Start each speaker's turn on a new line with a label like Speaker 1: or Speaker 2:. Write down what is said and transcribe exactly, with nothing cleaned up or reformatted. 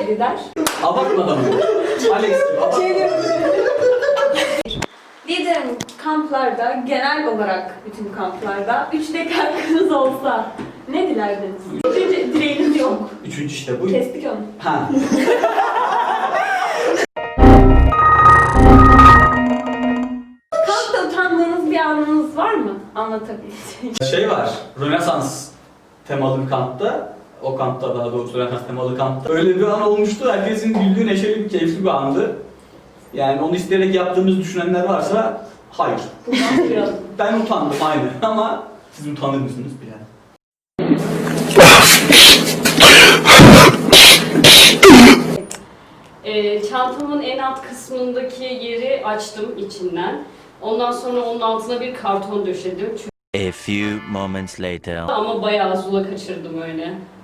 Speaker 1: gider.
Speaker 2: Abartmadan mı? Alex gibi abartmadan.
Speaker 1: Liderim, kamplarda, genel olarak bütün kamplarda üç tek hakkınız olsa ne dilerdiniz? Üçüncü dileğiniz yok.
Speaker 2: Üçüncü işte bu.
Speaker 1: Kestik onu.
Speaker 2: Ha.
Speaker 1: Kampta utandığınız bir anınız var mı? Anlatabileceğiniz.
Speaker 2: Şey var, Rönesans temalı bir kampta, o kampta daha doğrusu Rönesans temalı kampta öyle bir an olmuştu. Herkesin güldüğü, neşeli bir, keyifli bir andı. Yani onu isteyerek yaptığımızı düşünenler varsa hayır. Ben utandım aynı ama siz utanır mısınız bir yani?
Speaker 3: E, çantamın en alt kısmındaki yeri açtım içinden. Ondan sonra onun altına bir karton döşedim.
Speaker 4: A few moments later.
Speaker 3: Ama bayağı zula kaçırdım öyle.